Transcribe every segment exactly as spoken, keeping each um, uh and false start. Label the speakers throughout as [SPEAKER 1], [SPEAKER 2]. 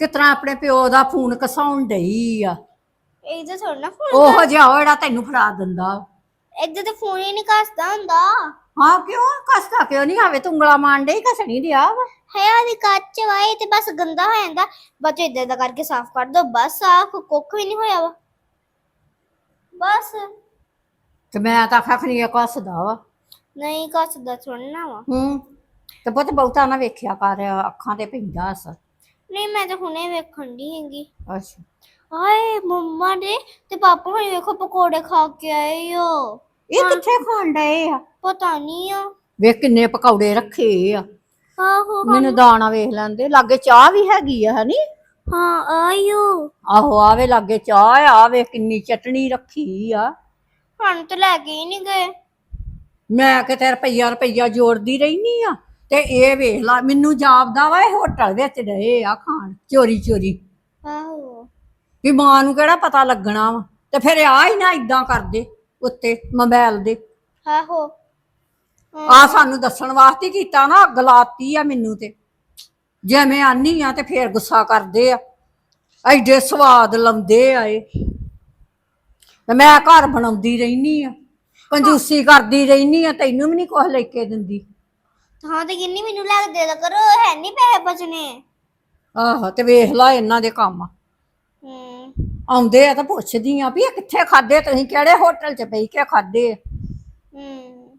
[SPEAKER 1] ਕਿਸ ਤਰ੍ਹਾਂ ਆਪਣੇ ਪਿਓ ਦਾ ਫੋਨ ਕਸਾਉਣ ਡਈ ਆ।
[SPEAKER 2] ਇਹਦੇ ਥੋੜਾ ਨਾ ਫੋਨ
[SPEAKER 1] ਉਹੋ ਜਿਹਾ ਉਹ ਜਿਹੜਾ ਤੈਨੂੰ ਫੜਾ ਦਿੰਦਾ।
[SPEAKER 2] ਇਹਦੇ ਤੇ ਫੋਨ ਹੀ ਨਹੀਂ ਕੱਸਦਾ ਹੁੰਦਾ।
[SPEAKER 1] ਹਾਂ ਕਿਉਂ ਕਸਦਾ ਕਿਉਂ ਨਹੀਂ ਆਵੇ ਤੂੰ ਉਂਗਲਾ ਮਾਰਨ ਡਈ ਕਸਣੀ ਦਿਆ ਵਾ।
[SPEAKER 2] ਹੈ ਉਹਦੀ ਕੱਚ ਵਾਏ ਤੇ ਬਸ ਗੰਦਾ ਹੋ ਜਾਂਦਾ ਬਸ ਇਦਾਂ ਦਾ ਕਰਕੇ ਸਾਫ਼ ਕਰ ਦੋ ਬਸ ਸਾਫ਼ ਕੁੱਖ ਵੀ ਨਹੀਂ ਹੋਇਆ ਵਾ ਬਸ।
[SPEAKER 1] ਤੇ ਮੈਂ ਤਾਂ ਆਖਿਆ ਖਣੀ ਕਸਦਾ ਵਾ।
[SPEAKER 2] ਨਹੀਂ ਕੱਸਦਾ ਥੋੜਾ ਵਾ।
[SPEAKER 1] ਹੂੰ ਤੇ ਪੁੱਤ ਬਹੁਤਾ ਨਾ ਵੇਖਿਆ ਕਰ ਅੱਖਾਂ ਤੇ ਪੈਂਦਾ ਅਸਰ।
[SPEAKER 2] ਨਹੀਂ ਮੈਂ ਤਾਂ ਹੁਣੇ ਵੇਖਣ ਦੀ ਹੈਗੀ।
[SPEAKER 1] ਅੱਛਾ
[SPEAKER 2] ਹਾਏ ਮੰਮਾ ਨੇ ਤੇ ਪਾਪਾ ਹੁਣੇ ਵੇਖੋ ਪਕੌੜੇ ਖਾ ਕੇ ਆਏ ਹੋ।
[SPEAKER 1] ਇਹ ਕਿੱਥੇ ਖਾਣ ਡਏ ਆ?
[SPEAKER 2] ਪਤਾ ਨਹੀਂ ਆ।
[SPEAKER 1] ਵੇਖ ਕਿੰਨੇ ਪਕੌੜੇ ਰੱਖੇ ਆ।
[SPEAKER 2] ਆਹੋ
[SPEAKER 1] ਮੈਨੂੰ ਦਾਣਾ ਵੇਖ ਲੈਂਦੇ ਲਾਗੇ ਚਾਹ ਵੀ ਹੈਗੀ ਆ ਹਨੀ।
[SPEAKER 2] ਹਾਂ ਆਇਓ।
[SPEAKER 1] ਆਹੋ ਆਵੇ ਲਾਗੇ ਚਾਹ ਆ ਵੇ ਕਿੰਨੀ ਚਟਣੀ ਰੱਖੀ ਆ।
[SPEAKER 2] ਹੁਣ ਤਾਂ ਲੈ ਕੇ ਹੀ ਨਹੀਂ ਗਏ।
[SPEAKER 1] ਮੈਂ ਕਿਤੇ ਰੁਪਈਆ ਰੁਪਈਆ ਜੋੜਦੀ ਰਹਿਨੀ ਆ ਤੇ ਇਹ ਵੇਖ ਲਾ ਮੈਨੂੰ ਜਾਪਦਾ ਵਾ ਇਹ ਹੋਟਲ ਵਿੱਚ ਡਏ ਆ ਖਾਣ ਚੋਰੀ ਚੋਰੀ।
[SPEAKER 2] ਆਹੋ
[SPEAKER 1] ਵੀ ਮਾਂ ਨੂੰ ਕਿਹੜਾ ਪਤਾ ਲੱਗਣਾ ਵਾ ਤੇ ਫਿਰ ਆ ਹੀ ਨਾ ਇਦਾਂ ਕਰਦੇ ਉੱਤੇ ਮੋਬਾਈਲ ਦੇ।
[SPEAKER 2] ਆਹੋ
[SPEAKER 1] ਆ ਸਾਨੂੰ ਦੱਸਣ ਵਾਸਤੇ ਕੀਤਾ ਨਾ ਅੱਗ ਲਾਤੀ ਆ ਮੈਨੂੰ ਤੇ ਜੇ ਮੈਂ ਆਨੀ ਆ ਤੇ ਫੇਰ ਗੁੱਸਾ ਕਰਦੇ ਆ ਐਡੇ ਸਵਾਦ ਲਾਉਂਦੇ ਆ ਇਹ ਤੇ ਮੈਂ ਘਰ ਬਣਾਉਂਦੀ ਰਹਿਨੀ ਆ ਕੰਜੂਸੀ ਕਰਦੀ ਰਹਿਨੀ ਆ ਤੈਨੂੰ ਵੀ ਨਹੀਂ ਕੁਛ ਲੈ ਕੇ ਦਿੰਦੀ।
[SPEAKER 2] ਹਾਂ ਤੇ ਕਿੰਨੀ ਮੈਨੂੰ ਲੱਗ ਦੇ ਦਾ ਕਰੋ ਹੈ ਨਹੀਂ ਪੈਸੇ ਬਚਨੇ।
[SPEAKER 1] ਆਹੋ ਤੇ ਵੇਖ ਲਾ ਇਹਨਾਂ ਦੇ ਕੰਮ
[SPEAKER 2] ਹੂੰ
[SPEAKER 1] ਆਉਂਦੇ ਆ ਤਾਂ ਪੁੱਛਦੀ ਆ ਵੀ ਇਹ ਕਿੱਥੇ ਖਾਦੇ ਤੁਸੀਂ ਕਿਹੜੇ ਹੋਟਲ 'ਚ ਬਹਿ ਕੇ ਖਾਦੇ ਆ।
[SPEAKER 2] ਹੂੰ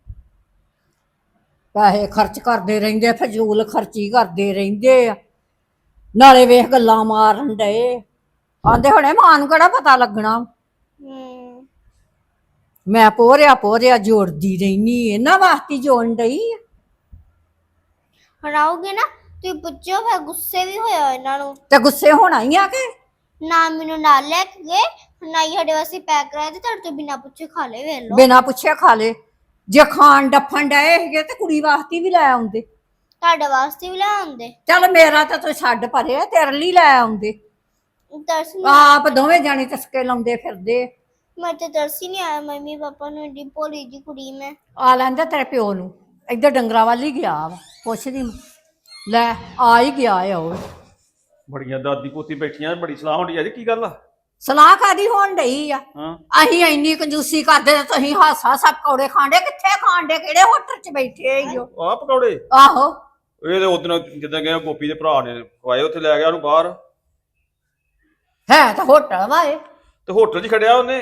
[SPEAKER 1] ਪੈਸੇ ਖਰਚ ਕਰਦੇ ਰਹਿੰਦੇ ਫਜ਼ੂਲ ਖਰਚੀ ਕਰਦੇ ਰਹਿੰਦੇ ਆ ਨਾਲੇ ਵੇਖ ਗੱਲਾਂ ਮਾਰਨ ਡਏ ਆਂਦੇ ਹੁਣੇ ਮਾਂ ਨੂੰ ਕਿਹੜਾ ਪਤਾ ਲੱਗਣਾ।
[SPEAKER 2] ਹੂੰ
[SPEAKER 1] ਮੈਂ ਪੋਰਿਆ ਪੋਰਿਆ ਜੋੜਦੀ ਰਹਿਨੀ ਇਹਨਾਂ ਵਾਸਤੇ ਜੋੜਨ ਡਈ ਆ।
[SPEAKER 2] ਹੁਣ ਆਓਗੇ ਨਾ ਤੁਸੀਂ ਪੁੱਛੋ ਫਿਰ ਗੁੱਸੇ ਵੀ ਹੋਇਆ ਇਹਨਾਂ ਨੂੰ
[SPEAKER 1] ਤੇ ਗੁੱਸੇ ਹੋਣਾ ਹੀ ਆ ਕਿ
[SPEAKER 2] ਨਾ ਮੈਨੂੰ ਨਾਲ ਲੈ ਕੇ ਗਏ ਨਾ ਹੀ ਸਾਡੇ ਵਾਸਤੇ ਪੈਕ ਕਰਾਇਆ ਤੇ ਤੁਹਾਡੇ ਤੋਂ ਬਿਨਾਂ ਪੁੱਛੇ ਖਾ ਲਏ ਵੇਖ ਲਓ।
[SPEAKER 1] ਬਿਨਾਂ ਪੁੱਛੇ ਖਾ ਲੇ ਜੇ ਖਾਣ ਡੱਫਣ ਡਏ ਹੈਗੇ ਤੇ ਕੁੜੀ ਵਾਸਤੇ ਵੀ ਲੈ ਆਉਂਦੇ।
[SPEAKER 2] ਤੁਹਾਡੇ ਵਾਸਤੇ ਵੀ ਲੈ ਆਉਂਦੇ।
[SPEAKER 1] ਚੱਲ ਮੇਰਾ ਤਾਂ ਤੂੰ ਛੱਡ ਪਰੇ ਤੇਰੇ ਲਈ ਲੈ ਆਉਂਦੇ।
[SPEAKER 2] ਤਰਸ ਨਹੀਂ
[SPEAKER 1] ਆਪ ਦੋਵੇਂ ਜਾਣੇ ਤਸਕੇ ਲਾਉਂਦੇ ਫਿਰਦੇ।
[SPEAKER 2] ਮੈਂ ਤੇ ਤਰਸ ਹੀ ਨਹੀਂ ਆਇਆ ਮੰਮੀ ਪਾਪਾ ਨੂੰ ਏਡੀ ਭੋਲੀ ਜੀ ਕੁੜੀ ਮੈਂ।
[SPEAKER 1] ਆ ਲੈਂਦਾ ਤੇਰੇ ਪਿਓ ਨੂੰ ਇੱਧਰ ਡੰਗਰਾਂ ਵੱਲ ਹੀ ਗਿਆ ਵਾ ਪੁੱਛਦੀ ਮੈਂ ਲੈ ਆ ਹੀ ਗਿਆ ਆ ਉਹ।
[SPEAKER 3] ਬੜੀਆਂ ਦਾਦੀ ਪੋਤੀ ਬੈਠੀਆਂ ਬੜੀ ਸਲਾਹ ਹੁੰਦੀ ਅੱਜ ਕੀ ਗੱਲ ਆ?
[SPEAKER 1] ਸਲਾਹ ਕਾਦੀ ਹੋਣ ਡਈ ਆ?
[SPEAKER 3] ਹਾਂ
[SPEAKER 1] ਅਸੀਂ ਇੰਨੀ ਕੰਜੂਸੀ ਕਰਦੇ ਤੇ ਤੁਸੀਂ ਹਾਸਾ ਸਭ ਪਕੌੜੇ ਖਾਂਦੇ ਕਿੱਥੇ ਖਾਂਦੇ ਕਿਹੜੇ ਹੋਟਲ 'ਚ ਬੈਠੇ ਹੋ?
[SPEAKER 3] ਆਹ ਪਕੌੜੇ
[SPEAKER 1] ਆਹੋ
[SPEAKER 3] ਇਹ ਤੇ ਉਦੋਂ ਜਿੱਦਾਂ ਗਿਆ ਗੋਪੀ ਦੇ ਭਰਾ ਨੇ ਖਵਾਏ ਉੱਥੇ ਲੈ ਗਿਆ ਉਹਨੂੰ ਬਾਹਰ
[SPEAKER 1] ਹੈ ਤਾਂ ਹੋਟਲ ਵਾ ਇਹ
[SPEAKER 3] ਤੇ ਹੋਟਲ 'ਚ ਖੜਿਆ ਉਹਨੇ।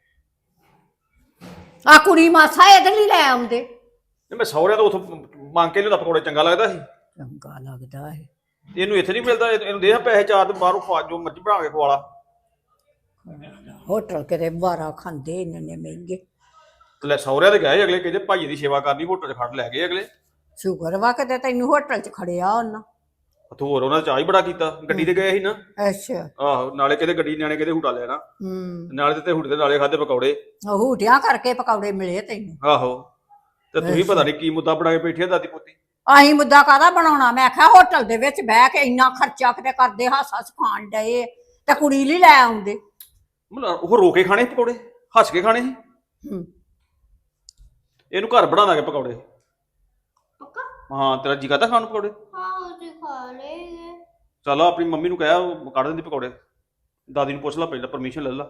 [SPEAKER 1] ਆ ਕੁੜੀ ਮਾਸਾ ਇਹਦੇ ਲਈ ਲੈ ਆਉਂਦੇ।
[SPEAKER 3] ਤੇ ਮੈਂ ਸਹੁਰਿਆਂ ਤੋਂ ਉੱਥੋਂ ਮੰਗ ਕੇ ਲਿਆਉਂਦਾ ਪਕੌੜੇ ਚੰਗਾ ਲੱਗਦਾ ਸੀ।
[SPEAKER 1] ਚੰਗਾ ਲੱਗਦਾ ਹੈ
[SPEAKER 3] ਇਹਨੂੰ ਇੱਥੇ ਨਹੀਂ ਮਿਲਦਾ ਇਹਨੂੰ ਦੇ ਪੈਸੇ ਚਾਰ ਤੇ ਬਾਹਰੋਂ ਖਵਾ ਜੋ ਮਰਜ਼ੀ ਬਣਾ ਕੇ ਖਵਾ ਲਾ।
[SPEAKER 1] ਹੋਟਲ ਕਿਤੇ ਬਾਰਾ ਖਾਂਦੇ ਇੰਨੇ ਮਹਿੰਗੇ।
[SPEAKER 3] ਤੇ ਲੈ ਸਹੁਰਿਆਂ ਦੇ ਗਏ ਅਗਲੇ ਕਹਿੰਦੇ ਭਾਈ ਦੀ ਸੇਵਾ ਕਰਨੀ ਹੋਟਲ 'ਚ ਖੜ ਲੈ ਗਏ ਅਗਲੇ।
[SPEAKER 1] ਸ਼ੁਕਰ ਵਾ ਕਿਤੇ ਤੈਨੂੰ ਹੋਟਲ 'ਚ ਖੜਿਆ ਉਹਨਾਂ।
[SPEAKER 3] ਉੱਥੇ ਹੋਰ ਉਹਨਾਂ ਚਾਹ ਹੀ ਬੜਾ ਕੀਤਾ ਗੱਡੀ ਤੇ ਗਏ ਸੀ ਨਾ।
[SPEAKER 1] ਅੱਛਾ
[SPEAKER 3] ਆਹੋ ਨਾਲੇ ਕਿਤੇ ਗੱਡੀ ਨਿਆਣੇ ਕਿਤੇ ਹੂਟਾ ਲੈਣਾ
[SPEAKER 1] ਹੂੰ
[SPEAKER 3] ਨਾਲੇ ਤੇ ਹੂਟੇ ਦੇ ਨਾਲੇ ਖਾਦੇ ਪਕੌੜੇ।
[SPEAKER 1] ਹੂਟਿਆਂ ਕਰਕੇ ਪਕੌੜੇ ਮਿਲੇ ਤੈਨੂੰ।
[SPEAKER 3] ਆਹੋ ਤੇ ਤੁਸੀਂ ਪਤਾ ਨਹੀਂ ਕੀ ਮੁੱਦਾ ਬਣਾ ਕੇ ਬੈਠੀ ਆ ਦਾਦੀ ਪੋਤੀ।
[SPEAKER 1] ਅਸੀਂ ਮੁੱਦਾ ਕਾਹਦਾ ਬਣਾਉਣਾ ਮੈਂ ਆਖਿਆ ਹੋਟਲ ਦੇ ਵਿੱਚ ਬਹਿ ਕੇ ਇੰਨਾ ਖਰਚਾ ਕਿਤੇ ਕਰਦੇ ਹਾਸਾ ਸਿਖਾਣ ਡਏ ਤੇ ਕੁੜੀ ਲਈ ਲੈ ਆਉਂਦੇ।
[SPEAKER 3] ਮਤਲਬ ਉਹ ਰੋ ਕੇ ਖਾਣੇ ਪਕੌੜੇ ਹੱਸ ਕੇ ਖਾਣੇ ਸੀ।
[SPEAKER 1] ਹੂੰ
[SPEAKER 3] ਇਹਨੂੰ ਘਰ ਬਣਾ ਦਾਂਗੇ ਪਕੌੜੇ।
[SPEAKER 2] ਪੱਕਾ
[SPEAKER 3] ਹਾਂ ਤੇਰਾ ਜੀ ਕਰਦਾ ਖਾਣ ਨੂੰ ਪਕੌੜੇ?
[SPEAKER 2] ਹਾਂ ਤੁਸੀਂ ਖਾ ਲਏ।
[SPEAKER 3] ਚਲੋ ਆਪਣੀ ਮੰਮੀ ਨੂੰ ਕਹਿਆ ਉਹ ਕੱਢ ਦਿੰਦੀ ਪਕੌੜੇ। ਦਾਦੀ ਨੂੰ ਪੁੱਛ ਲਾ ਪਹਿਲਾਂ ਪਰਮਿਸ਼ਨ ਲੈ ਲਾ।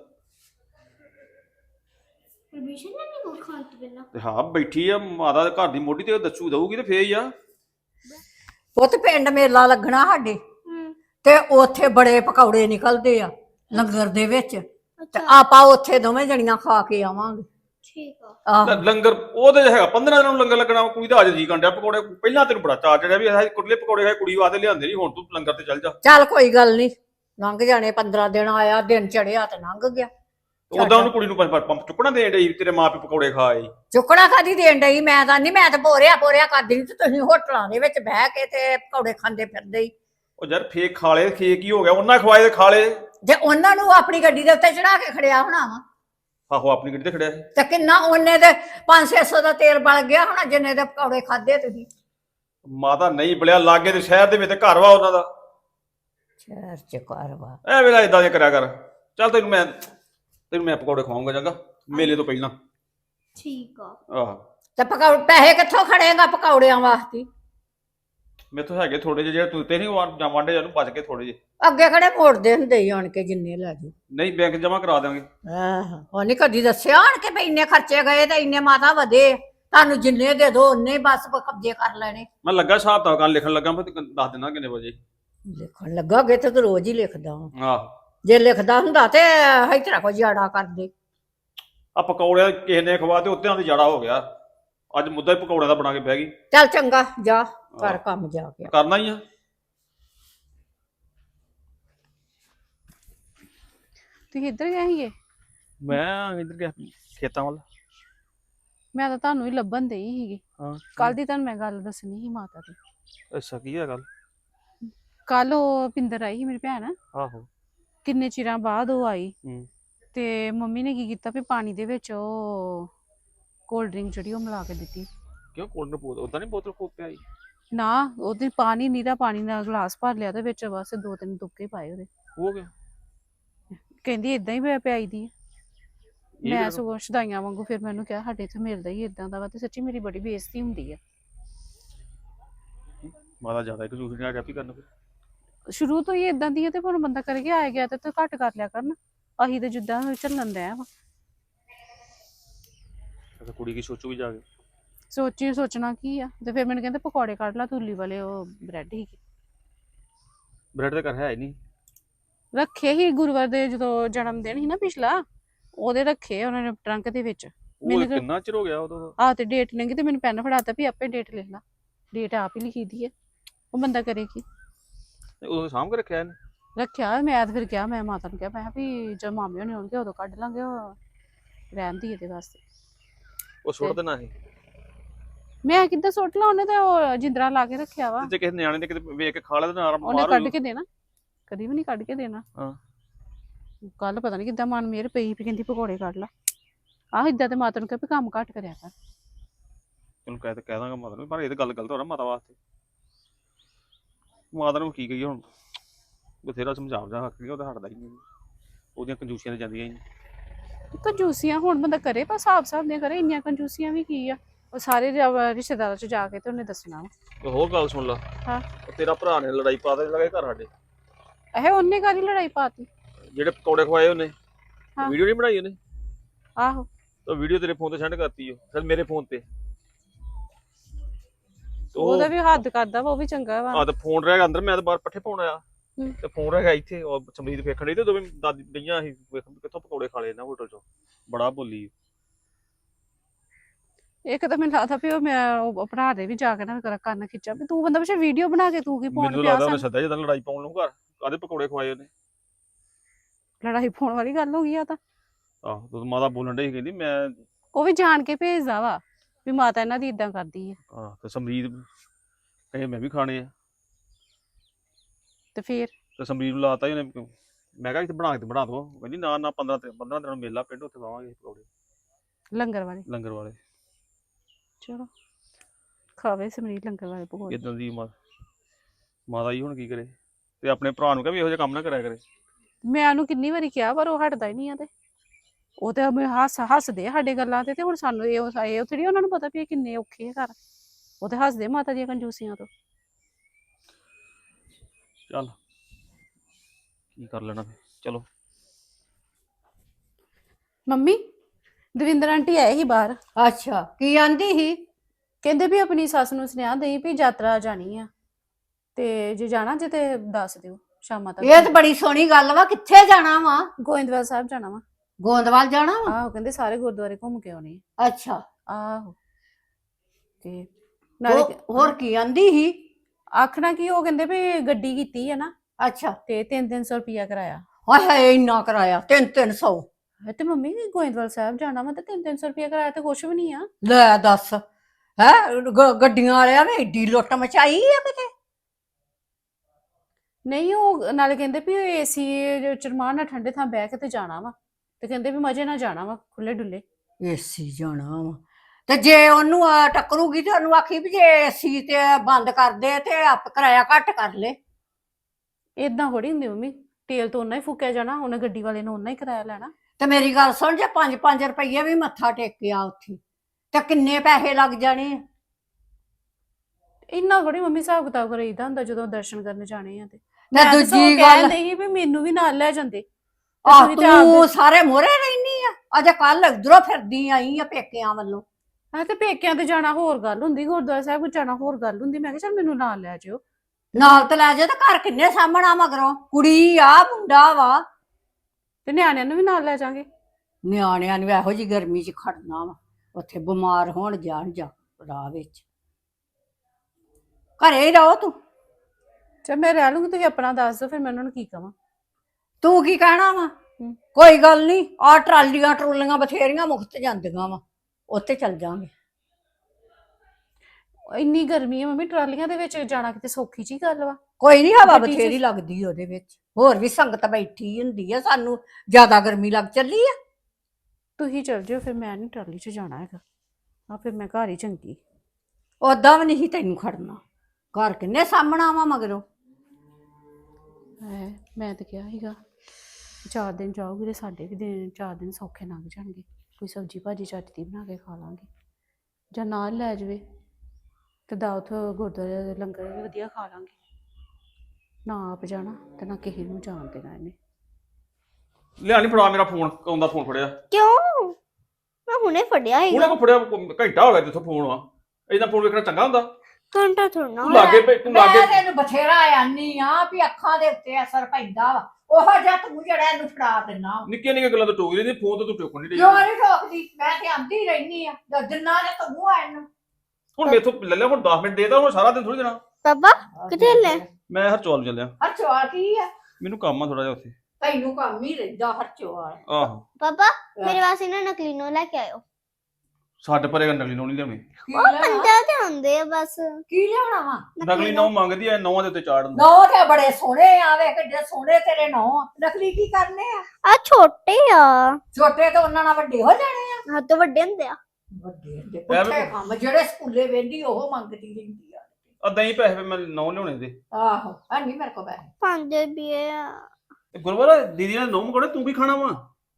[SPEAKER 2] ਪਰਮਿਸ਼ਨ ਨਹੀਂ ਕੋ ਖਾਣ ਤੋਂ ਪਹਿਲਾਂ।
[SPEAKER 3] ਤੇ ਹਾਂ ਬੈਠੀ ਆ ਮਾਤਾ ਦੇ ਘਰ ਦੀ ਮੋਢੀ ਤੇ ਉਹ ਦੱਸੂ ਦਊਗੀ ਤੇ ਫੇਰ ਹੀ ਆ।
[SPEAKER 1] ਪੁੱਤ ਪਿੰਡ ਮੇਲਾ ਲੱਗਣਾ ਸਾਡੇ
[SPEAKER 2] ਹੂੰ
[SPEAKER 1] ਤੇ ਉੱਥੇ ਬੜੇ ਪਕੌੜੇ ਨਿਕਲਦੇ ਆ ਲੰਗਰ ਦੇ ਵਿੱਚ ਤੇ
[SPEAKER 2] ਅੱਛਾ
[SPEAKER 1] ਆਪਾਂ ਉੱਥੇ ਦੋਵੇਂ ਜਣੀਆਂ ਖਾ ਕੇ ਆਵਾਂਗੇ।
[SPEAKER 2] ਠੀਕ ਆ।
[SPEAKER 1] ਆਹ
[SPEAKER 3] ਲ- ਲੰਗਰ ਉਹ ਤੇ ਹੈਗਾ ਪੰਦਰਾਂ ਦਿਨਾਂ ਨੂੰ ਲੰਗਰ ਲੱਗਣਾ ਕੁੜੀ ਦਾ ਅੱਜ ਜੀ ਕੰਡਿਆ ਪਕੌੜੇ ਪਹਿਲਾਂ ਤੈਨੂੰ ਬੜਾ ਚਾਅ ਚੜਿਆ ਵੀ ਇਹ ਕੁੜਲੇ ਪਕੌੜੇ ਹੈ ਕੁੜੀ ਵਾਸਤੇ ਲਿਆਂਦੇ ਨਹੀਂ ਹੁਣ ਤੂੰ ਲੰਗਰ ਤੇ ਚੱਲ ਜਾ।
[SPEAKER 1] ਚੱਲ ਕੋਈ ਗੱਲ ਨਹੀਂ ਲੰਘ ਜਾਣੇ ਪੰਦਰਾਂ ਦਿਨ ਆਇਆ ਦਿਨ ਚੜਿਆ ਤੇ ਲੰਘ ਗਿਆ।
[SPEAKER 3] ਉਦਾਂ ਉਹਨੂੰ ਕੁੜੀ ਨੂੰ ਪੰਪ ਪੰਪ ਚੁੱਕਣਾ ਦੇਣ ਡਈ ਤੇਰੇ ਮਾਂ ਪਿਓ ਪਕੌੜੇ ਖਾ ਆਈ।
[SPEAKER 1] ਚੁੱਕਣਾ ਕਾਦੀ ਦੇਣ ਡਈ ਮੈਂ ਤਾਂ ਨਹੀਂ ਮੈਂ ਤਾਂ ਬੋਰਿਆ ਬੋਰਿਆ ਕਰਦੀ ਨਹੀਂ ਤੇ ਤੁਸੀਂ ਹੋਟਲਾਂ ਦੇ ਵਿੱਚ ਬਹਿ ਕੇ ਤੇ ਪਕੌੜੇ ਖਾਂਦੇ ਫਿਰਦੇ ਹੀ।
[SPEAKER 3] ਉਹ ਯਾਰ ਫੇਕ ਖਾ ਲਏ ਫੇਕ ਹੀ ਹੋ ਗਿਆ ਉਹਨਾਂ ਖਵਾਏ ਤੇ ਖਾ ਲਏ।
[SPEAKER 1] ਜੇ ਉਹਨਾਂ ਨੂੰ ਆਪਣੀ ਗੱਡੀ ਦੇ ਉੱਤੇ ਚੜਾ ਕੇ ਖੜਿਆ ਹੋਣਾ ਵਾ
[SPEAKER 3] ਆਹੋ ਆਪਣੀ ਗੱਡੀ ਤੇ ਖੜਿਆ ਸੀ।
[SPEAKER 1] ਤੇ ਕਿੰਨਾ ਉਹਨੇ ਦੇ ਪੰਜ ਛੇ ਸੌ ਦਾ ਤੇਲ ਬਲ ਗਿਆ ਹੋਣਾ ਜਿੰਨੇ ਦੇ ਪਕੌੜੇ ਖਾਦੇ ਤੁਸੀਂ।
[SPEAKER 3] ਮਾਤਾ ਨਹੀਂ ਬਲਿਆ ਲਾਗੇ ਦੇ ਸ਼ਹਿਰ ਦੇ ਵਿੱਚ ਘਰ ਵਾ ਉਹਨਾਂ ਦਾ।
[SPEAKER 1] ਸ਼ਹਿਰ ਚ ਘਰ ਵਾ
[SPEAKER 3] ਐ ਵੇਲਾ ਇਦਾਂ ਦੇ ਕਰਿਆ ਕਰ। ਚੱਲ ਤੈਨੂੰ ਮੈਂ ਤੈਨੂੰ ਮੈਂ ਪਕੌੜੇ ਖਵਾਉਂਗਾ ਚੰਗਾ ਮੇਲੇ ਤੋਂ ਪਹਿਲਾਂ।
[SPEAKER 2] ਠੀਕ ਆ।
[SPEAKER 3] ਆਹ
[SPEAKER 1] ਤੇ ਪਕੌੜੇ ਪੈਸੇ ਕਿੱਥੋਂ ਖੜੇਗਾ ਪਕੌੜਿਆਂ ਵਾਸਤੇ?
[SPEAKER 3] ਮੇਥੋਂ ਹੈਗੇ ਥੋੜੇ ਜਿਹੇ ਜਿਹੜੇ ਤੁੱਤੇ ਨਹੀਂ ਉਹ ਵਾਂਡੇ ਜਾਨੂੰ ਬਚ ਕੇ ਥੋੜੇ ਜਿਹੇ।
[SPEAKER 1] ਅੱਗੇ ਖੜੇ ਮੋੜਦੇ ਹੁੰਦੇ ਸੀ ਆਣ ਕੇ ਜਿੰਨੇ ਲੈ ਜਾਓ।
[SPEAKER 3] ਨਹੀਂ ਬੈਂਕ ਜਮਾ ਕਰਾ ਦਾਂਗੇ।
[SPEAKER 1] ਆਹ ਉਹਨੇ ਕਦੀ ਦੱਸਿਆ ਆਣ ਕੇ ਵੀ ਇੰਨੇ ਖਰਚੇ ਗਏ ਤੇ ਇੰਨੇ ਮਾਤਾ ਵਧੇ, ਤੁਹਾਨੂੰ ਜਿੰਨੇ ਦੇ ਦੋ ਉਹਨੇ ਬਸ ਕਬਜ਼ੇ ਕਰ ਲੈਣੇ।
[SPEAKER 3] ਮੈਂ ਲੱਗਾ ਹਿਸਾਬ ਤਾਂ ਗੱਲ ਲਿਖਣ ਲੱਗਾ, ਮੈਂ ਦੱਸ ਦਿੰਦਾ ਕਿੰਨੇ ਵਜੇ
[SPEAKER 1] ਲਿਖਣ ਲੱਗਾ। ਅੱਗੇ ਤੇ ਤੂੰ ਰੋਜ਼ ਹੀ ਲਿਖਦਾ ਵਾਂ।
[SPEAKER 3] ਆਹ
[SPEAKER 1] ਜੇ ਲਿਖਦਾ ਹੁੰਦਾ ਤੇ ਇਸ ਤਰ੍ਹਾਂ ਕੋਈ ਜਾੜਾ ਕਰਦੇ।
[SPEAKER 3] ਆ ਪਕੌੜੇ ਕਿਸੇ ਨੇ ਖਵਾ ਤੇ ਉੱਤਿਆਂ ਦੀ ਜੜਾ ਹੋ ਗਿਆ। ਅੱਜ ਮੁੱਦਾ ਹੀ ਪਕੌੜਿਆਂ ਦਾ ਬਣਾ ਕੇ ਬਹਿ ਗਈ।
[SPEAKER 1] ਚੱਲ ਚੰਗਾ ਜਾ ਕਰ ਕੰਮ ਜਾ ਕੇ।
[SPEAKER 3] ਕਰਨਾ ਹੀ ਆ।
[SPEAKER 4] ਤੁਸੀਂ ਇੱਧਰ ਗਏ ਸੀਗੇ?
[SPEAKER 3] ਮੈਂ ਇੱਧਰ ਗਿਆ ਖੇਤਾਂ ਵੱਲ।
[SPEAKER 4] ਮੈਂ ਤਾਂ ਤੁਹਾਨੂੰ ਹੀ ਲੱਭਣ ਡਈ ਸੀਗੀ।
[SPEAKER 3] ਹਾਂ
[SPEAKER 4] ਕੱਲ ਦੀ ਤੁਹਾਨੂੰ ਮੈਂ ਗੱਲ ਦੱਸਣੀ ਸੀ ਮਾਤਾ ਦੀ।
[SPEAKER 3] ਅੱਛਾ ਕੀ ਹੈ ਗੱਲ?
[SPEAKER 4] ਕੱਲ ਉਹ ਪਿੰਦਰ ਆਈ ਸੀ ਮੇਰੀ ਭੈਣ,
[SPEAKER 3] ਆਹੋ
[SPEAKER 4] ਕਿੰਨੇ ਚਿਰਾਂ ਬਾਅਦ ਉਹ ਆਈ
[SPEAKER 3] ਹੂੰ
[SPEAKER 4] ਤੇ ਮੰਮੀ ਨੇ ਕੀ ਕੀਤਾ ਵੀ ਪਾਣੀ ਦੇ ਵਿੱਚ ਉਹ ਕੋਲਡ ਡਰਿੰਕ ਜਿਹੜੀ ਉਹ ਮਿਲਾ ਕੇ ਦਿੱਤੀ।
[SPEAKER 3] ਕਿਉਂ ਕੋਲਡ ਨੂੰ ਪੋਤ ਉਦਾਂ ਨਹੀਂ ਬੋਤਲ ਖੋਪ ਪਿਆਈ?
[SPEAKER 4] ਨਾ ਉਹਦੇ ਪਾਣੀ ਨੀਰਾ ਪਾਣੀ ਨਾਲ ਗਲਾਸ ਭਰ ਲਿਆ ਤੇ ਵਿੱਚ ਬਸ ਦੋ ਤਿੰਨ ਤੁਪਕੇ ਪਾਏ ਉਹਦੇ।
[SPEAKER 3] ਹੋ ਗਿਆ
[SPEAKER 4] ਕਹਿੰਦੀ ਇਦਾਂ ਹੀ ਪਿਆਈ ਦੀ ਆ।
[SPEAKER 3] ਇਹ
[SPEAKER 4] ਮੈਂ
[SPEAKER 3] ਕਿਹੜਾ?
[SPEAKER 4] ਸਗੋਂ ਸ਼ਦਾਈਆਂ ਵਾਂਗੂ ਫਿਰ ਮੈਨੂੰ ਕਿਹਾ ਸਾਡੇ ਇੱਥੇ ਮਿਲਦਾ ਹੀ ਇਦਾਂ ਦਾ ਵਾ ਤੇ ਸੱਚੀ ਮੇਰੀ ਬੜੀ ਬੇਇੱਜ਼ਤੀ ਹੁੰਦੀ ਆ।
[SPEAKER 3] ਮਾਤਾ ਜ਼ਿਆਦਾ ਇੱਕ ਜੂਸ ਨਹੀਂ ਕਾਪੀ ਕਰਨ ਫਿਰ।
[SPEAKER 4] ਸ਼ੁਰੂ ਤੋਂ ਹੀ ਇਦਾਂ ਦੀ ਆ ਤੇ ਹੁਣ ਬੰਦਾ ਕਰ ਗਿਆ ਆਇਆ ਗਿਆ ਤੇ ਤੂੰ ਘੱਟ ਕਰ ਲਿਆ ਕਰਨ। ਅਸੀਂ ਤੇ ਜਿੱਦਾਂ ਚੱਲਣ ਦਿਆ ਵਾ।
[SPEAKER 3] ਅੱਛਾ ਕੁੜੀ ਕੀ ਸੋਚੂਗੀ ਜਾ ਕੇ?
[SPEAKER 4] ਸੋਚੀ ਸੋਚਣਾ ਕੀ ਆ। ਤੇ ਫਿਰ ਮੈਨੂੰ ਕਹਿੰਦੇ ਪਕੌੜੇ ਕੱਢ ਲਾ ਤੁਲੀ ਵਾਲੇ ਉਹ ਬ੍ਰੈਡ ਹੀ
[SPEAKER 3] ਬ੍ਰੈਡ ਤਾਂ ਕਰ ਹੈ ਹੀ ਨਹੀਂ।
[SPEAKER 4] ਰੱਖੇ ਹੀ ਗੁਰੂਵਾਰ ਦੇ ਜਦੋਂ ਜਨਮ ਦਿਨ ਸੀ ਨਾ ਪਿਛਲਾ, ਉਹਦੇ ਰੱਖੇ ਉਹਨਾਂ ਨੇ ਟਰੰਕ ਦੇ ਵਿੱਚ।
[SPEAKER 3] ਉਹ
[SPEAKER 4] ਮੈਨੂੰ ਤਾਂ-
[SPEAKER 3] ਕਿੰਨਾ ਚਿਰ ਹੋ ਗਿਆ ਉਦੋਂ?
[SPEAKER 4] ਆਹ ਤੇ ਡੇਟ ਲੰਗੀ ਤੇ ਮੈਨੂੰ ਪੈਨ ਫੜਾਤਾ ਵੀ ਆਪੇ ਡੇਟ ਲਿਖ ਲਾ। ਡੇਟ ਆਪ ਹੀ ਲਿਖੀ ਦੀ ਹੈ, ਉਹ ਬੰਦਾ ਕਰੇ ਕੀ।
[SPEAKER 3] ਉਦੋਂ ਸਾਂਭ ਕੇ ਰੱਖਿਆ ਇਹਨੇ?
[SPEAKER 4] ਰੱਖਿਆ ਮੈਂ ਤਾਂ ਫਿਰ ਕਿਹਾ, ਮੈਂ ਮਾਤਾ ਨੂੰ ਕਿਹਾ ਮੈਂ ਕਿਹਾ ਵੀ ਜਦ ਮਾਮੇ ਹੋਣੇ ਆਉਣਗੇ ਉਦੋਂ ਕੱਢ ਲਾਂਗੇ, ਉਹ ਰਹਿਣ ਦੀ ਇਹਦੇ ਵਾਸਤੇ।
[SPEAKER 3] ਉਹ ਸੁੱਟ ਦੇਣਾ ਸੀ।
[SPEAKER 4] ਮੈਂ ਕਿੱਦਾਂ ਸੁੱਟ ਲਾ, ਉਹਨੇ ਤਾਂ ਉਹ ਜਿੰਦਰਾ ਲਾ ਕੇ ਰੱਖਿਆ ਵਾ।
[SPEAKER 3] ਜੇ ਕਿਸੇ ਨਿਆਣੇ ਨੇ ਕਿਤੇ ਵੇਖ ਕੇ ਖਾ ਲਿਆ ਤਾਂ ਆਰਾਮ
[SPEAKER 4] ਉਹਨੇ
[SPEAKER 3] ਮਾਰ
[SPEAKER 4] ਕੱਢ ਕੇ ਦੇਣਾ, ਕਦੀ ਵੀ ਨਹੀਂ ਕੱਢ ਕੇ ਦੇਣਾ।
[SPEAKER 3] ਹਾਂ
[SPEAKER 4] ਕੱਲ ਪਤਾ ਨਹੀਂ ਕਿੱਦਾਂ ਮਨ ਮੇਰ ਪਈ ਵੀ ਕਹਿੰਦੀ ਪਕੌੜੇ ਕੱਢ ਲਾ। ਆਹ ਇਦਾਂ ਤੇ ਮਾਤਾ ਨੂੰ ਕਿਹਾ ਵੀ ਕੰਮ ਘੱਟ ਕਰਿਆ ਕਰ।
[SPEAKER 3] ਤੈਨੂੰ ਕਹਿ ਤੇ ਕਹਿ ਦਾਂਗਾ ਮਾਤਾ ਨੂੰ, ਪਰ ਇਹ ਤਾਂ ਗੱਲ ਗਲਤ ਹੋ ਰਿਹਾ ਮਾਤਾ ਵਾਸਤੇ। ਮਾਤਾ ਨੂੰ ਕੀ ਕਹੀਏ ਹੁਣ, ਬਥੇਰਾ ਸਮਝਾਉ ਜਾ ਹੱਕ ਨਹੀਂ, ਉਹ ਤਾਂ ਹਟਦਾ ਹੀ ਨਹੀਂ। ਉਹਦੀਆਂ ਕੰਜੂਸੀਆਂ ਤੇ ਜਾਂਦੀਆਂ ਹੀ ਨਹੀਂ।
[SPEAKER 4] ਕੰਜੂਸੀਆਂ ਹੁਣ ਬੰਦਾ ਕਰੇ ਪਰ ਹਿਸਾਬ ਹਿਸਾਬ ਦੀਆਂ ਕਰੇ। ਇੰਨੀਆਂ ਕੰਜੂਸੀਆਂ ਵੀ ਕੀ ਆ, ਉਹ ਸਾਰੇ ਰਿ- ਰਿਸ਼ਤੇਦਾਰਾਂ ਚ ਜਾ ਕੇ ਤੇ ਉਹਨੇ ਦੱਸਣਾ ਵਾ।
[SPEAKER 3] ਤੇ ਹੋਰ ਗੱਲ ਸੁਣ ਲਾ,
[SPEAKER 4] ਹਾਂ
[SPEAKER 3] ਉਹ ਤੇਰਾ ਭਰਾ ਨੇ ਲੜਾਈ ਪਾ ਦੇ ਲਗੇ ਘਰ ਸਾਡੇ।
[SPEAKER 4] ਇਹ ਉਹਨੇ ਕਾਹਦੀ ਲੜਾਈ ਪਾਤੀ?
[SPEAKER 3] ਜਿਹੜੇ ਪਕੌੜੇ ਖਵਾਏ ਉਹਨੇ,
[SPEAKER 4] ਹਾਂ।
[SPEAKER 3] ਵੀਡੀਓ ਨਹੀਂ ਬਣਾਈ ਉਹਨੇ?
[SPEAKER 4] ਆਹੋ
[SPEAKER 3] ਉਹ ਵੀਡੀਓ ਤੇਰੇ ਫੋਨ ਤੇ ਸੈਂਡ ਕਰਤੀ ਉਹ, ਫਿਰ ਮੇਰੇ ਫੋਨ ਤੇ।
[SPEAKER 4] ਉਹਦਾ ਵੀ ਹੱਦ ਕਰਦਾ ਵਾ, ਉਹ ਵੀ ਚੰਗਾ ਵਾ।
[SPEAKER 3] ਆ ਤੇ ਫੋਨ ਰਹਿ ਗਿਆ ਅੰਦਰ, ਮੈਂ ਤਾਂ ਬਾਹਰ ਪੱਠੇ ਪਾਉਣ ਆਇਆ
[SPEAKER 4] ਹੂੰ।
[SPEAKER 3] ਤੇ ਫੋਨ ਰਹਿ ਗਿਆ ਇੱਥੇ। ਉਹ ਸਮਰੀਤ ਵੇਖਣ ਡਈ ਤੇ ਦੋਵੇਂ ਦਾਦੀ ਡਈਆਂ ਸੀ ਵੇਖਣ ਕਿੱਥੋਂ ਪਕੌੜੇ ਖਾ ਲਏ ਨਾ ਹੋਟਲ ਚੋਂ। ਬੜਾ ਬੋਲੀ।
[SPEAKER 4] ਇੱਕ ਤਾਂ ਮੈਨੂੰ ਲੱਗਦਾ ਵੀ ਉਹ ਮੈਂ ਉਹ ਭਰਾ ਦੇ ਵੀ ਜਾ ਕੇ ਨਾ ਕਰ ਕੰਨ ਖਿੱਚਾ ਵੀ ਤੂੰ ਬੰਦਾ ਪਿੱਛੇ ਵੀਡੀਓ ਬਣਾ ਕੇ ਤੂੰ ਕੀ ਪਾਉਣ
[SPEAKER 3] ਮੈਨੂੰ
[SPEAKER 4] ਪਿਆ
[SPEAKER 3] ਲੱਗਦਾ ਉਹਨੇ
[SPEAKER 4] ਸਾਨੂੰ।
[SPEAKER 3] ਸੱਦਾ ਜਦੋਂ ਲੜਾਈ ਪਾਉਣ ਨੂੰ ਘਰ ਕਾਹਦੇ ਪਕੌੜੇ ਖਵਾਏ ਉਹਨੇ।
[SPEAKER 4] ਲੜਾਈ ਪਾਉਣ ਵਾਲੀ ਗੱਲ ਹੋ ਗਈ ਆ ਤਾਂ।
[SPEAKER 3] ਆਹੋ ਤੂੰ ਮਾਤਾ ਬੋਲਣ ਡਈ ਸੀ, ਕਹਿੰਦੀ ਮੈਂ
[SPEAKER 4] ਉਹ ਵੀ ਜਾਣ ਕੇ ਭੇਜਦਾ ਵਾ ਵੀ ਮਾਤਾ ਇਹਨਾਂ ਦੀ ਇਦਾਂ ਕਰਦੀ ਆ।
[SPEAKER 3] ਆਹ ਤੇ ਸਮਰੀਤ ਕਹੇ ਮੈਂ ਵੀ ਖਾਣੇ ਆ,
[SPEAKER 4] ਤੇ ਫੇਰ
[SPEAKER 3] ਤੇ ਸਮਰੀਤ ਨੂੰ ਲਾਤਾ ਹੀ ਉਹਨੇ। ਮੈਂ ਕਿਹਾ ਇੱਥੇ ਬਣਾ ਕੇ ਤੇ ਬਣਾ ਦੋ, ਕਹਿੰਦੀ ਨਾ ਨਾ ਪੰਦਰਾਂ ਤੇ ਪੰਦਰਾਂ ਦਿਨ ਮੇਲਾ ਪਿੰਡ, ਉੱਥੇ ਖਾਵਾਂਗੇ ਪਕੌੜੇ
[SPEAKER 4] ਲੰਗਰ ਵਾਲੇ।
[SPEAKER 3] ਲੰਗਰ ਵਾਲੇ।
[SPEAKER 4] ਚਲੋ ਖਾਵੇ ਸਮਰੀਤ ਲੰਗਰ ਵਾਲੇ ਪਕੌੜੇ।
[SPEAKER 3] ਇਦਾਂ ਦੀ ਮਾ- ਮਾਤਾ ਜੀ ਹੁਣ ਕੀ ਕਰੇ। ਤੇ ਆਪਣੇ ਭਰਾ ਨੂੰ ਕਹੇ ਵੀ ਇਹੋ ਜਿਹਾ ਕੰਮ ਨਾ ਕਰਿਆ ਕਰੇ।
[SPEAKER 4] ਮੈਂ ਉਹਨੂੰ ਕਿੰਨੀ ਵਾਰੀ ਕਿਹਾ ਪਰ ਉਹ ਹਟਦਾ ਹੀ ਨਹੀਂ ਆ। ਤੇ ਉਹ ਤੇ ਮੈਂ ਹੱਸ ਹੱਸਦੇ ਆ ਸਾਡੇ ਗੱਲਾਂ ਤੇ ਤੇ ਹੁਣ ਸਾਨੂੰ ਇਹ ਉਹ ਇਹ ਥੋੜੀ ਉਹਨਾਂ ਨੂੰ ਪਤਾ ਵੀ ਇਹ ਕਿੰਨੇ ਔਖੇ ਆ ਘਰ। ਉਹ ਤੇ ਹੱਸਦੇ ਮਾਤਾ ਦੀਆਂ ਕੰਜੂਸੀਆਂ ਤੋਂ।
[SPEAKER 3] ਚੱਲ ਕੀ ਕਰ ਲੈਣਾ ਫਿਰ, ਚਲੋ।
[SPEAKER 4] ਮੰਮੀ ਦਵਿੰਦਰ ਆਂਟੀ ਆਏ ਸੀ ਬਾਹਰ,
[SPEAKER 1] ਅੱਛਾ ਕੀ ਆਂਦੀ ਸੀ?
[SPEAKER 4] ਕਹਿੰਦੇ ਵੀ ਆਪਣੀ ਸੱਸ ਨੂੰ ਸੁਨੇਹਾ ਦੇਈ ਵੀ ਯਾਤਰਾ ਜਾਣੀ ਆ ਤੇ ਜੇ ਜਾਣਾ ਜੇ ਤੇ ਦੱਸ ਦਿਓ ਸ਼ਾਮਾਂ ਤੱਕ।
[SPEAKER 1] ਇਹ ਤਾਂ ਬੜੀ ਸੋਹਣੀ ਗੱਲ ਵਾ। ਕਿੱਥੇ ਜਾਣਾ ਵਾ?
[SPEAKER 4] ਗੋਇੰਦਵਾਲ ਸਾਹਿਬ ਜਾਣਾ ਵਾ।
[SPEAKER 1] ਗੋਂਦਵਾਲ ਜਾਣਾ ਵਾ?
[SPEAKER 4] ਆਹੋ ਕਹਿੰਦੇ ਸਾਰੇ ਗੁਰਦੁਆਰੇ ਘੁੰਮ ਕੇ ਆਉਣੇ ਆ।
[SPEAKER 1] ਅੱਛਾ
[SPEAKER 4] ਆਹੋ ਤੇ ਨਾਲੇ
[SPEAKER 1] ਹੋਰ- ਹੋਰ ਕੀ ਆਂਦੀ ਸੀ?
[SPEAKER 4] ਆਖਣਾ ਕੀ, ਉਹ ਕਹਿੰਦੇ ਵੀ ਗੱਡੀ ਕੀਤੀ ਆ ਨਾ
[SPEAKER 1] ਅੱਛਾ
[SPEAKER 4] ਤੇ ਤਿੰਨ ਤਿੰਨ ਸੌ ਰੁਪਿਆ ਕਰਾਇਆ।
[SPEAKER 1] ਹਾਏ ਹਾਏ ਇੰਨਾ ਕਰਾਇਆ? ਤਿੰਨ ਤਿੰਨ ਸੌ?
[SPEAKER 4] ਤੇ ਮੰਮੀ ਗੋਇੰਦਵਾਲ ਸਾਹਿਬ ਜਾਣਾ ਵਾ ਤੇ ਤਿੰਨ ਤਿੰਨ ਸੌ ਰੁਪਿਆ ਕਰਾਇਆ ਤੇ ਕੁਛ ਵੀ ਨਹੀਂ ਆ।
[SPEAKER 1] ਲੈ ਦੱਸ ਹੈ, ਗੱਡੀਆਂ ਵਾਲਿਆਂ ਨੇ ਏਡੀ ਲੁੱਟ ਮਚਾਈ ਆ ਕਿਤੇ।
[SPEAKER 4] ਨਹੀਂ ਉਹ ਨਾਲੇ ਕਹਿੰਦੇ ਵੀ ਏਸੀ ਚਰਮਾਨ ਨਾਲ ਠੰਡੇ ਥਾਂ ਬਹਿ ਕੇ ਤੇ ਜਾਣਾ ਵਾ ਤੇ ਕਹਿੰਦੇ ਵੀ ਮਜ਼ੇ ਨਾਲ ਜਾਣਾ ਵਾ, ਖੁੱਲੇ ਡੁੱਲੇ।
[SPEAKER 1] ਏਸੀ ਜਾਣਾ ਵਾ ਤੇ ਜੇ ਉਹਨੂੰ ਅਹ, ਟੱਕਰੂਗੀ ਤੇ ਉਹਨੂੰ ਆਖੀ ਵੀ ਜੇ ਏਸੀ ਤੇ ਬੰਦ ਕਰ ਦੇ ਤੇ ਆਪ ਕਿਰਾਇਆ ਘੱਟ ਕਰ ਲੈ।
[SPEAKER 4] ਏਦਾਂ ਥੋੜੀ ਹੁੰਦੀ ਮੰਮੀ, ਤੇਲ ਤਾਂ ਉਹਨਾਂ ਹੀ ਫੂਕਿਆ ਜਾਣਾ, ਉਹਨੇ ਗੱਡੀ ਵਾਲੇ ਨੇ ਉਹਨਾਂ ਹੀ ਕਿਰਾਇਆ ਲੈਣਾ।
[SPEAKER 1] ਤੇ ਮੇਰੀ ਗੱਲ ਸੁਣ, ਜੇ ਪੰਜ ਪੰਜ ਰੁਪਈਏ ਵੀ ਮੱਥਾ ਟੇਕਿਆ ਉੱਥੇ ਤੇ ਕਿੰਨੇ ਪੈਸੇ ਲੱਗ ਜਾਣੇ?
[SPEAKER 4] ਇੰਨਾ ਥੋੜੀ ਮੰਮੀ ਹਿਸਾਬ ਕਿਤਾਬ ਕਰੀਦਾ ਹੁੰਦਾ ਜਦੋਂ ਦਰਸ਼ਨ ਕਰਨ ਜਾਣੇ ਆ ਤੇ
[SPEAKER 1] ਤੇ
[SPEAKER 4] ਮੈਂ ਤਾਂ ਸਗੋਂ
[SPEAKER 1] ਦੂਜੀ ਗੱਲ
[SPEAKER 4] ਕਹਿੰਦੇ ਸੀ ਵੀ ਮੈਨੂੰ ਵੀ ਨਾਲ ਲੈ ਜਾਂਦੇ
[SPEAKER 1] ਆ
[SPEAKER 4] ਤੁਸੀਂ ਤੇ ਆਪਦੇ-
[SPEAKER 1] ਤੂੰ ਸਾਰੇ ਮੋਰੇ ਰਹਿਨੀ ਆ ਅਜੇ ਕੱਲ ਇਧਰੋਂ ਫਿਰਦੀ ਆਈ ਆ ਪੇਕਿਆਂ ਵੱਲੋਂ।
[SPEAKER 4] ਹਾਂ ਤੇ ਪੇਕਿਆਂ ਤੇ ਜਾਣਾ ਹੋਰ ਗੱਲ ਹੁੰਦੀ, ਗੁਰਦੁਆਰਾ ਸਾਹਿਬ ਜਾਣਾ ਹੋਰ ਗੱਲ ਹੁੰਦੀ। ਮੈਂ ਕਿਹਾ ਚੱਲ ਮੈਨੂੰ ਨਾਲ ਲੈ ਜਾਇਓ।
[SPEAKER 1] ਨਾਲ ਤੇ ਲੈ ਜਾ ਤੇ ਘਰ ਕਿੰਨੇ ਸਾਹਮਣਾ ਮਗਰੋਂ ਕੁੜੀ ਆ ਮੁੰਡਾ ਵਾ।
[SPEAKER 4] ਤੇ ਨਿਆਣਿਆਂ ਨੂੰ ਵੀ ਨਾਲ ਲੈ ਜਾਾਂਗੇ।
[SPEAKER 1] ਨਿਆਣਿਆਂ ਨੂੰ ਇਹੋ ਜੀ ਗਰਮੀ 'ਚ ਖੜਨਾ ਵਾ, ਉੱਥੇ ਬਿਮਾਰ ਹੋਣ ਜਾਣ ਜਾ ਰਾਹ ਵਿੱਚ। ਘਰੇ ਹੀ ਰਹੋ ਤੂੰ।
[SPEAKER 4] ਚੱਲ ਮੈਂ ਰਹਿ ਲੂੰਗੀ, ਤੁਸੀਂ ਆਪਣਾ ਦੱਸ ਦਿਓ ਫਿਰ ਮੈਂ ਉਹਨਾਂ ਨੂੰ ਕੀ ਕਵਾਂ।
[SPEAKER 1] ਤੂੰ ਕੀ ਕਹਿਣਾ ਵਾ?
[SPEAKER 4] ਹੂੰ।
[SPEAKER 1] ਕੋਈ ਗੱਲ ਨਹੀਂ, ਆ ਟਰਾਲੀਆਂ ਟਰੂਲੀਆਂ ਬਥੇਰੀਆਂ ਮੁਫਤ ਜਾਂਦੀਆਂ ਵਾ, ਉੱਥੇ ਚੱਲ ਜਾਾਂਗੇ।
[SPEAKER 4] ਇੰਨੀ ਗਰਮੀ ਹੈ ਮੰਮੀ, ਟਰਾਲੀਆਂ ਦੇ ਵਿੱਚ ਜਾਣਾ ਕਿਤੇ ਸੌਖੀ ਜੀ ਗੱਲ ਵਾ।
[SPEAKER 1] ਕੋਈ ਨਹੀਂ, ਹਵਾ
[SPEAKER 4] ਗੱਡੀ 'ਚ-
[SPEAKER 1] ਬਥੇਰੀ ਲੱਗਦੀ ਉਹਦੇ ਵਿੱਚ, ਹੋਰ ਵੀ ਸੰਗਤ ਬੈਠੀ ਹੁੰਦੀ ਆ, ਸਾਨੂੰ ਜ਼ਿਆਦਾ ਗਰਮੀ ਲੱਗ ਚੱਲੀ ਆ।
[SPEAKER 4] ਤੁਸੀਂ ਚੱਲ ਜਿਓ, ਫਿਰ ਮੈਂ ਨਹੀਂ ਟਰਾਲੀ 'ਚ ਜਾਣਾ ਹੈਗਾ। ਆ ਫਿਰ ਮੈਂ ਘਰ ਹੀ ਚੰਗੀ।
[SPEAKER 1] ਓਦਾਂ ਵੀ ਨਹੀਂ ਤੈਨੂੰ ਖੜਨਾ, ਘਰ ਕਿੰਨੇ ਸਾਹਮਣਾ ਵਾ ਮਗਰੋਂ।
[SPEAKER 4] ਹੈ ਮੈਂ ਤਾਂ ਕਿਹਾ ਸੀਗਾ ਚਾਰ ਦਿਨ ਜਾਓਗੇ ਤੇ ਸਾਡੇ ਵੀ ਦਿਨ ਚਾਰ ਦਿਨ ਸੌਖੇ ਲੰਘ ਜਾਣਗੇ। ਕੋਈ ਸਬਜ਼ੀ ਭਾਜੀ ਚੱਜ ਦੀ ਬਣਾ ਕੇ ਖਾ ਲਾਂਗੇ, ਜਾਂ ਨਾਲ ਲੈ ਜਾਵੇ ਤੇ ਦਾ ਉੱਥੋਂ ਗੁਰਦੁਆਰੇ ਦੇ ਲੰਗਰ ਵੀ ਵਧੀਆ ਖਾ ਲਾਂਗੇ। ਨਾ ਆਪ ਜਾਣਾ ਤੇ ਨਾ ਕਿਸੇ ਨੂੰ ਜਾਣ ਦੇਣਾ ਇਹਨੇ।
[SPEAKER 3] ਲਿਆ ਨਹੀਂ ਫੜਾ ਮੇਰਾ ਫੋਨ, ਆਉਂਦਾ ਫੋਨ ਫੜਿਆ।
[SPEAKER 2] ਕਿਉਂ? ਮੈਂ ਹੁਣੇ ਫੜਿਆ
[SPEAKER 3] ਉਹਨੇ
[SPEAKER 2] ਹੈਗਾ।
[SPEAKER 3] ਕੋ ਫੜਿਆ ਘੰਟਾ ਹੋ ਗਿਆ ਜਿੱਥੋਂ ਫੋਨ ਆ। ਇਹਦਾ ਫੋਨ ਵੇਖਣਾ ਚੰਗਾ ਹੁੰਦਾ?
[SPEAKER 2] ਘੰਟਾ ਥੋੜਾ
[SPEAKER 3] ਤੂੰ ਲਾਗੇ ਪੈ- ਤੂੰ
[SPEAKER 1] ਮੈਂ
[SPEAKER 3] ਲਾਗੇ
[SPEAKER 1] ਤੈਨੂੰ ਬਥੇਰਾ ਆਨੀ ਆ ਵੀ ਅੱਖਾਂ ਦੇ ਉੱਤੇ ਅਸਰ ਪੈਂਦਾ ਵਾ, ਉਹੋ ਜਿਹਾ ਤੂੰ ਜਿਹੜਾ ਇਹਨੂੰ ਫੜਾ ਦਿੰਨਾ ਵਾ।
[SPEAKER 3] ਨਿੱਕੀਆਂ ਨਿੱਕੀਆਂ ਗੱਲਾਂ ਤੋਂ ਟੋਕ ਰਹੀ ਫੋਨ ਤੋਂ ਤੂੰ ਟੋਕਣ ਨਹੀਂ
[SPEAKER 1] ਕਿਉਂ
[SPEAKER 3] ਰਹੀ।
[SPEAKER 1] ਨਹੀਂ ਠੋਕਦੀ? ਮੈਂ ਤੇ ਆਂਦੀ ਰਹਿਨੀ ਆ, ਦਿਨਾਂ ਦੇ ਤੂੰ ਆ ਇਹਨੂੰ।
[SPEAKER 3] ਹੁਣ ਮੇਥੋਂ ਲੈ ਲਿਆ, ਹੁਣ ਦਸ ਮਿੰਟ ਦੇਦਾ, ਹੁਣ ਸਾਰਾ ਦਿਨ ਥੋੜੀ ਦੇਣਾ।
[SPEAKER 2] ਪਾਪਾ ਕਿੱਥੇ ਲੈ?
[SPEAKER 3] ਮੈਂ ਹਰਚੌਲ ਨੂੰ ਚੱਲਿਆ,
[SPEAKER 1] ਹਰਚੋਆ ਕੀ ਆ?
[SPEAKER 3] ਮੈਨੂੰ ਕੰਮ ਆ ਥੋੜਾ ਜਿਹਾ ਉੱਥੇ।
[SPEAKER 1] ਤੈਨੂੰ ਕੰਮ ਹੀ ਰਹਿੰਦਾ ਹਰਚੋਆ।
[SPEAKER 3] ਆਹੋ
[SPEAKER 2] ਪਾਪਾ ਮੇਰੇ ਵਾਸਤੇ ਨਾ ਨਕਲੀ ਨੋ ਲੈ ਕੇ ਆਇਓ।
[SPEAKER 3] ਛੱਡ ਪਰੇ ਨਕਲੀ ਨੌ ਨਹੀਂ ਲਿਆਉਣੀ।
[SPEAKER 1] ਕੀ
[SPEAKER 2] ਉਹ
[SPEAKER 1] ਲਿਆਉਣਾ?
[SPEAKER 2] ਪੰਜਾ ਤੇ ਹੁੰਦੇ ਆ ਬਸ।
[SPEAKER 1] ਕੀ ਲਿਆਉਣਾ ਵਾ?
[SPEAKER 3] ਨਕਲੀ ਨੌ ਮੰਗਦੀ ਐ, ਨੌਵਾਂ ਦੇ ਉੱਤੇ ਚਾੜ ਦਿੰਦਾ।
[SPEAKER 1] ਨੌ ਤੇ ਬੜੇ ਸੋਹਣੇ ਆਵੇ, ਕਿੱਡੇ ਸੋਹਣੇ ਤੇਰੇ ਨੌ। ਨਕਲੀ ਕੀ ਕਰਨੇ ਆ?
[SPEAKER 2] ਆ ਛੋਟੇ ਆ।
[SPEAKER 1] ਛੋਟੇ ਤਾਂ ਉਹਨਾਂ ਨਾਲ ਵੱਡੇ ਹੋ ਜਾਣੇ ਆ।
[SPEAKER 2] ਹੱਥ ਤੋਂ ਵੱਡੇ ਹੁੰਦੇ ਆ।
[SPEAKER 1] ਵੱਡੇ ਹੁੰਦੇ ਪੁੱਠੇ ਕੰਮ, ਜਿਹੜੇ ਸਕੂਲੇ ਵੇਂਦੀ ਉਹ ਮੰਗਦੀ ਰਹਿੰਦੀ ਆ।
[SPEAKER 3] ਅੱਦਾਂ ਹੀ ਪੈਸੇ ਮੈਂ ਨੌ ਲਿਆਉਣੇ ਦੇ।
[SPEAKER 1] ਆਹੋ ਹੈ ਨਹੀਂ ਮੇਰੇ ਕੋਲ ਪੈਸੇ।
[SPEAKER 2] ਪੰਜ ਰੁਪਏ ਆ।
[SPEAKER 3] ਗੁਰਵਾਰ ਦੀਦੀ ਨੇ ਨੌ ਮੰਗਾਉਣੇ, ਤੂੰ ਕੀ ਖਾਣਾ ਵਾ?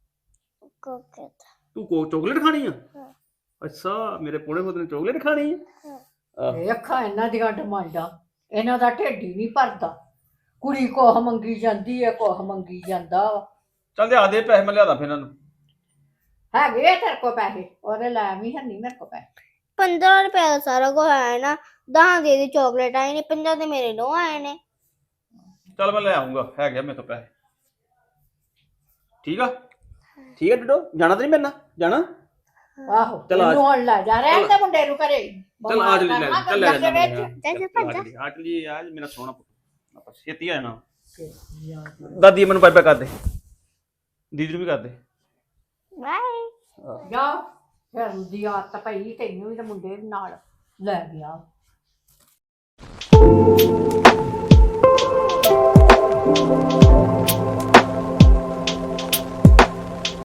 [SPEAKER 2] ਕੋਕੇ
[SPEAKER 3] ਤੂੰ ਕੋ ਚਾਕਲੇਟ ਖਾਣੀ ਆ? ਅੱਛਾ, ਮੇਰੇ ਪੋਣੇ ਪੁੱਤ ਨੇ ਚਾਕਲੇਟ ਖਾਣੀ ਆ।
[SPEAKER 1] ਇਹ ਅੱਖਾਂ ਇਹਨਾਂ ਦੀਆਂ ਡਿਮਾਂਡਾਂ, ਇਹਨਾਂ ਦਾ ਢਿੱਡ ਹੀ ਨਹੀਂ ਭਰਦਾ। ਕੁੜੀ ਕੋਹ ਮੰਗੀ ਜਾਂਦੀ ਹੈ, ਕੋਹ ਮੰਗੀ ਜਾਂਦਾ ਵਾ।
[SPEAKER 3] ਚੱਲ ਦੇ ਆ ਦੇ ਪੈਸੇ, ਮੈਂ ਲਿਆਦਾ ਫਿਰ ਇਹਨਾਂ ਨੂੰ।
[SPEAKER 1] ਹੈਗੇ ਆ ਤੇਰੇ ਕੋਲ ਪੈਸੇ? ਉਹਦੇ ਲੈ ਵੀ ਹੈ ਨਹੀਂ ਮੇਰੇ ਕੋਲ ਪੈਸੇ।
[SPEAKER 2] ਪੰਦਰਾਂ ਰੁਪਏ ਦਾ ਸਾਰਾ ਕੁਝ ਆਇਆ ਨਾ। ਦਹਾਂ ਦੇ ਦੀ ਚਾਕਲੇਟ ਆਏ ਨੇ, ਪੰਜਾਂ ਦੇ ਮੇਰੇ ਨੋ ਆਏ ਨੇ।
[SPEAKER 3] ਚੱਲ ਮੈਂ ਲੈ ਆਉਂਗਾ, ਹੈਗੇ ਆ ਮੇਰੇ ਤੋਂ ਪੈਸੇ। ਠੀਕ ਆ ਠੀਕ ਆ ਡਡੋ, ਜਾਣਾ ਤੇ ਨਹੀਂ ਮੇਰੇ ਨਾਲ? ਜਾਣਾ?
[SPEAKER 1] ਆਹੋ
[SPEAKER 3] ਚੱਲ ਆ-
[SPEAKER 1] ਇਹਨੂੰ ਹੁਣ ਲੈ ਜਾ, ਰਹਿਣ ਤੇ ਮੁੰਡੇ ਨੂੰ ਘਰੇ।
[SPEAKER 3] ਚੱਲ ਆ ਜਲੀ ਲੈ, ਚੱਲ ਲੈ
[SPEAKER 1] ਬਿਮਾਰ
[SPEAKER 3] ਜਾਣਾ
[SPEAKER 1] ਕਰਨਾ
[SPEAKER 2] ਚੱਲ ਭੱਜ।
[SPEAKER 3] ਆ ਚਲੀ ਆ ਮੇਰਾ ਸੋਹਣਾ ਪੁੱਤ, ਆਪਾਂ ਛੇਤੀ ਆ ਜਾਣਾ। ਦਾਦੀ ਮੈਨੂੰ ਬਾਏ ਬਾਏ ਕਰ ਦੇ, ਦੀਦੀ ਨੂੰ ਵੀ ਕਰ ਦੇ।
[SPEAKER 2] ਬਾਏ।
[SPEAKER 1] ਜਾ ਫਿਰ ਦੀ ਆਦਤ ਪਈ ਤੈਨੂੰ ਵੀ ਤੇ ਮੁੰਡੇ ਵੀ ਨਾਲ ਲੈ ਗਿਆ।